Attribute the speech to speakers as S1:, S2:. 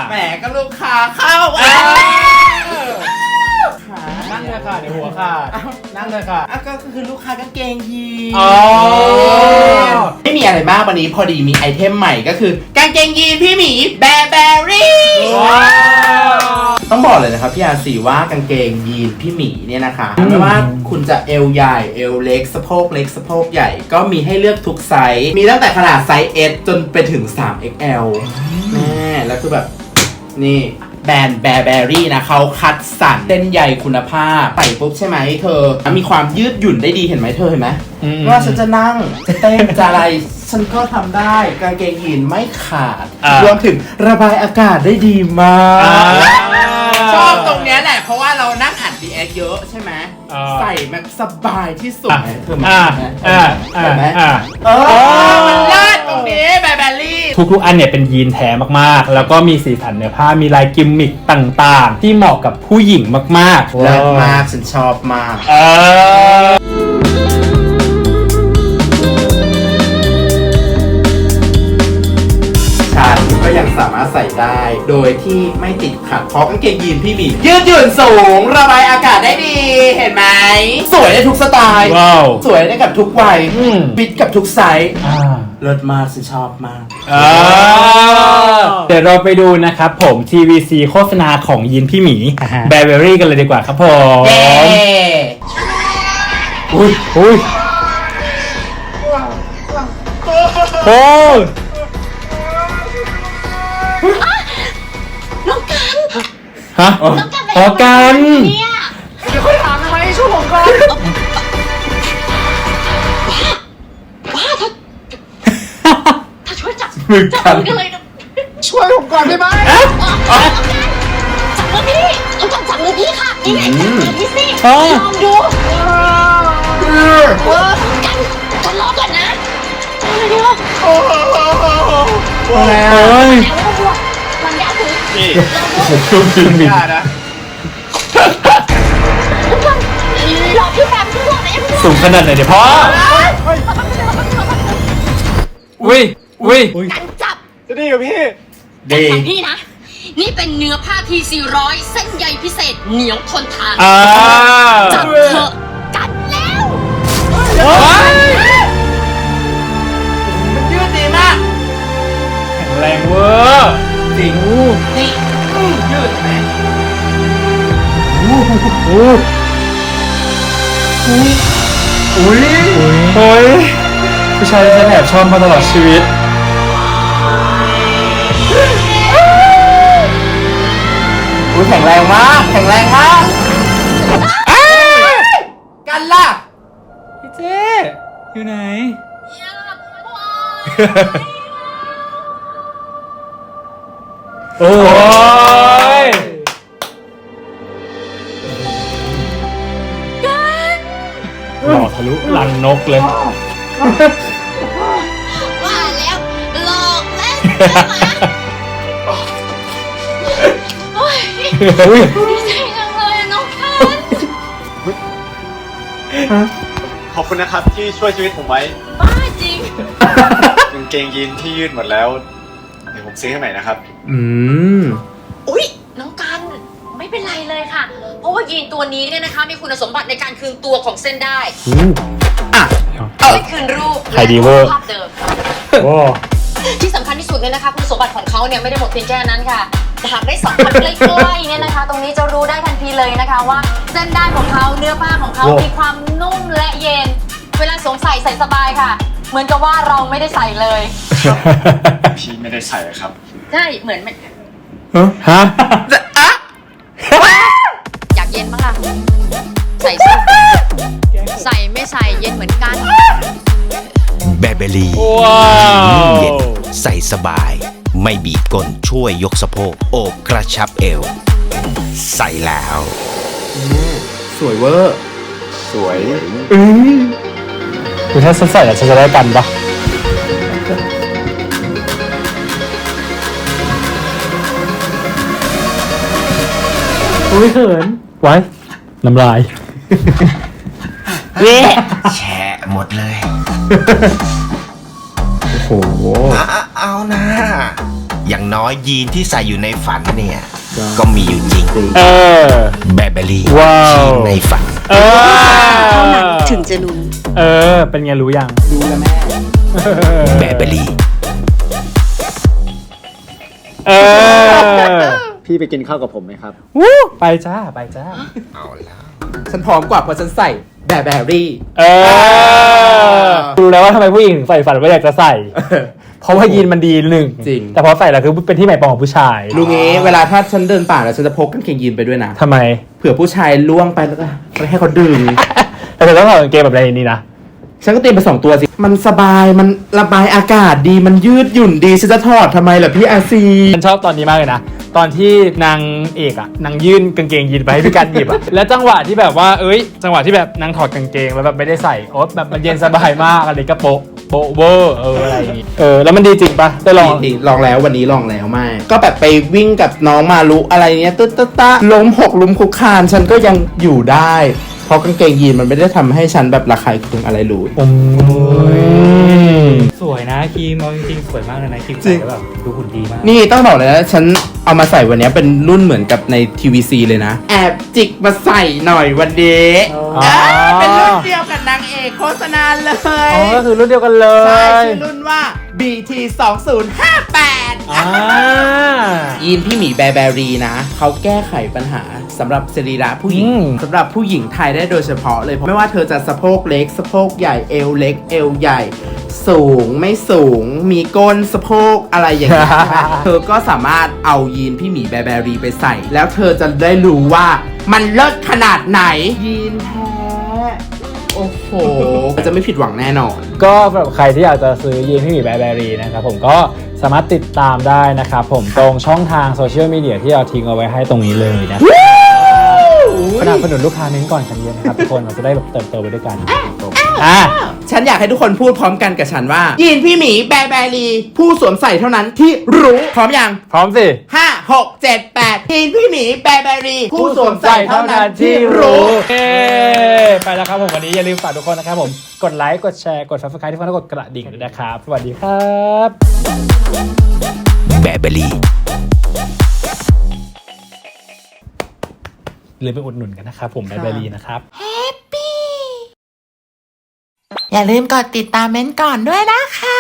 S1: แหมก็ลูกค้าเข้า
S2: นั่งเลยค่ะเดี๋ยวหัวขาดนั่งเลยค่ะ
S1: ก็คือลูกค้ากางเกงยีน
S2: อ๋อ
S1: ไม่มีอะไรมากวันนี้พอดีมีไอเทมใหม่ก็คือกางเกงยีนพี่หมีแบร์แบรี่ต้องบอกเลยนะครับพี่อาร์ซีว่ากางเกงยีนพี่หมีเนี่ยนะคะไม่ว่าคุณจะเอวใหญ่เอวเล็กสะโพกเล็กสะโพกใหญ่ก็มีให้เลือกทุกไซส์มีตั้งแต่ขนาดไซส์ S จนไปถึง 3XL แม่แล้วคือแบบนี่แบรนด์แบร์แบรี่นะเขาคัดสรรเส้นใยคุณภาพใส่ปุ๊บใช่ไหมเธอมีความยืดหยุ่นได้ดีเห็นไหมเธอเห็นไหมว่าฉันจะนั่งจะเต้นจะอะไรฉันก็ทำได้กางเกงยีนไม่ขาดรวมถึงระบายอากาศได้ดีมากชอบตรงเนี้ยแหละเพราะว่าเรานั่งอ่าน DS เยอะใช่ไหมใส่แบบสบายที่สุดเธอมาเห็นไหมมันเลิศตรงนี้แบร์แบรี่
S2: ทุกๆอันเนี่ยเป็นยีนแท้มากๆแล้วก็มีสีสันเนื้อผ้ามีลายกิมมิคต่างๆที่เหมาะกับผู้หญิงมากๆ
S1: เลิศมากฉันชอบมากฉันก็ยังสามารถใส่ได้โดยที่ไม่ติดขัดเพราะกางเกงยีนพี่บียืดหยุ่นสูงระบายอากาศได้ดีเห็นไหมสวยได้ทุกสไตล์สวยได้กับทุกวัยฟิตกับทุกไซส์เลิศมากฉันชอบมาก
S2: เดี๋ยวเราไปดูนะครับผม TVC โฆษณาของยีนพี่หมีแบร์เบอรี่กันเลยดีกว่าครับผมอุ้ยโอ้
S3: น้องกัน
S2: ฮะอ๋อกัน
S3: เนี่ย
S1: เดี๋ยวค่อยถามทำไมช่วยผมก่อน
S3: ว้าถ้าช่วยจับกันเลยนะ
S1: ช่วยผมก่อนได้ไหม
S3: จับมือพี่จับมือพี่ค่ะนี่ไงจับมือพี่สิลองดูกันรอก่อนนะเดี๋ยวมันยากคือนี่
S1: ยากนะ
S3: รอพี่แป๊บนึงก่อนนะ
S2: สูงขนาดไหนเดี๋ยวพ่ออุ้ย
S3: กันจับ
S1: จะดีกับพี่
S3: ดีพี่นะนี่เป็นเนื้อผ้าที400เส้นใยพิเศษเหนียวทนทานจับเถอะกันแล้ว
S1: มันยืดดีมาก
S2: แข็งแรงเวอร์
S1: จริงนี่ยืดไหม
S2: อุ้ยผู้ชายที่ฉันแอบชอบมาตลอดชีวิต
S1: แข็งแรงมากกันล่ะ
S2: พี่เจ๊อยู่ไหนโอ้ยหล่อทะลุลังนกเลย
S3: ว่าแล้วหลอกแล้วโอ้ยดีใจจังเลยน้องกัน
S4: ขอบคุณนะครับที่ช่วยชีวิตผมไว้
S3: บ้าจริง
S4: กางเกงยีนที่ยืดหมดแล้วเดี๋ยวผมซื้อให้ใหม่นะครับ
S3: อุ๊ยน้องกันไม่เป็นไรเลยค่ะเพราะว่ายีนตัวนี้เนี่ยนะคะมีคุณสมบัติในการคืนตัวของเส้นได้ไม่คืนรูปและภาพเดิมที่สำคัญที่สุดเนี่ยนะคะคุณสมบัติของเขาเนี่ยไม่ได้หมดเพียงแค่นั้นค่ะหากได้สัมผัสใกล้ๆเนี่ยนะคะตรงนี้จะรู้ได้ทันทีเลยนะคะว่าเส้นได้ของเขาเนื้อผ้าของเขามีความนุ่มและเย็นเวลาสวมใส่สบายค่ะเหมือนกับว่าเราไม่ได้ใส่เลย
S4: พี่ไม่ได้ใส่ครับ
S3: ใช่เหมือน
S2: ฮะ
S3: อยากเย็นมั้งล่ะใส่สิใส่ไม่ใส่เย็นเหมือนกัน
S5: แบร์เบอรี่เย็นใส่สบายไม่บีบก้นช่วยยกสะโพกโอบกระชับเอวใส่แล้ว
S1: สวยเวอร์สวย
S2: คือถ้าฉันใส่ฉันจะได้กันปะอุ้ยเขินไว้น้ำลาย
S5: แฉะหมดเลย
S2: โอ้โห
S5: เอานะอย่างน้อยยีนที่ใส่อยู่ในฝันเนี่ย ก็มีอยู่จริง แบเบอรี่
S2: ว้าว
S5: ยีนในฝัน
S6: เท่านั้นถึงจะรู้
S2: เป็นไงรู้ยัง
S1: รู้แล้วแม่
S5: แบเบอรี่
S4: พี่ไปกินข้าวกับผมไหมครับ
S2: ไปจ้า ไปจ้า
S5: เอาแล้ว
S1: ฉันพร้อมกว่าเพราะฉันใส่แบรี่
S2: รู้แล้วว่าทำไมผู้หญิงถึงใส่ฝันว่าอยากจะใส่ เพราะว่ายีนมันดีหนึ่ง
S1: จริง
S2: แต่พอใส่แล้วคือเป็นที่หมายปองของผู้ชาย
S1: ลุงงี้เวลาถ้าฉันเดินป่าแล้วฉันจะพกกางเกงยีนไปด้วยนะ
S2: ทำไม
S1: เผื่อผู้ชายล่วงไปแล้วก็ให้เขาดึง
S2: แต่เธอต้องถอดกางเกงแบบในนี้นะ
S1: ฉันก็เตรียมไป2 ตัวสิ มันสบาย มันระบายอากาศดี มันยืดหยุ่นดี ฉันจะถอดทำไมล่ะพี่อาซี
S2: ฉันชอบตอนนี้มากเลยนะ ตอนที่นางเอกอะนางยื่นกางเกงยีนไปให้พี่กันหยิบอะ แล้วจังหวะที่แบบว่าจังหวะที่แบบนางถอดกางเกงแล้วแบบไม่ได้ใส่โอ๊ตแบบมันเย็นสบายมากอะไรก็โป๊ะเวอร์อะไรอย่างงี้แล้วมันดีจริงปะได้ลอง
S1: ดีลองแล้ววันนี้ลองแล้วไม่ก็แบบไปวิ่งกับน้องมาลุอะไรเนี้ยตึ๊ดตะล้มหกล้มคุกคานฉันก็ยังอยู่ได้ เพราะกางเกงยีนมันไม่ได้ทำให้ฉันแบบระคายเคืองอะไรเลย
S2: สวยนะครีมเอาจริงๆสวยมากเลยนะครีม
S1: จริ
S2: ใส่
S1: ง
S2: แล้วแบบดูหุ่นดีมาก
S1: นี่ต้องบอกเลยนะฉันเอามาใส่วันนี้เป็นรุ่นเหมือนกับใน TVC เลยนะ แอบจิกมาใส่หน่อยวันนี้เป็นรุ่นเดียวกับนางเอกโฆษณาเลย
S2: ก็คือรุ่นเดียวกันเล
S1: ใช่
S2: ย
S1: ชื่อรุ่นว่า BT 2058
S2: อ่า
S1: ยีนพี่หมีแบรีนะเขาแก้ไขปัญหาสำหรับสรีระผู้หญิงสำหรับผู้หญิงไทยได้โดยเฉพาะเลยเพราะไม่ว่าเธอจะสะโพกเล็กสะโพกใหญ่เอวเล็กเอวใหญ่ สูงไม่สูงมีก้นสะโพกอะไรอย่างเงี้ย เธอก็สามารถเอายีนพี่หมีแบรีไปใส่ แล้วเธอจะได้รู้ว่ามันเลิศขนาดไหนยีนแท้โอ้โหจะไม่ผิดหวังแน่นอน
S2: ก็สำหรับใครที่อยากจะซื้อยีนพี่หมีแบร์แบรีนะครับผมก็สามารถติดตามได้นะครับผมตรงช่องทางโซเชียลมีเดียที่เราทิ้งเอาไว้ให้ตรงนี้เลยนะสนับสนุนลูกค้าเน้นก่อนกันเยอะนะครับทุกคนเราจะได้แบบเติบโตไปด้วยกัน
S1: ฉันอยากให้ทุกคนพูดพร้อมกันกับฉันว่ายีนพี่หมีแบรีผู้สวมใส่เท่านั้นที่รู้พร้อมยัง
S2: พร้อมสิ
S1: 5 6 7 8ยีนพี่หมีแบรีผู้สวมใส่เท่านั้นที่รู้
S2: ไปแล้วครับผมวันนี้อย่าลืมฝากทุกคนนะครับผมกดไลค์กดแชร์กด Subscribe ที่ฟังแล้วกดกระดิ่งด้วยนะครับสวัสดีครับ
S5: แบเบอรี่
S2: หรือไปอุดหนุนกันนะครับผมแบร์แบรีนะครับ
S7: อย่าลืมกดติดตามเม้นท์ก่อนด้วยนะคะ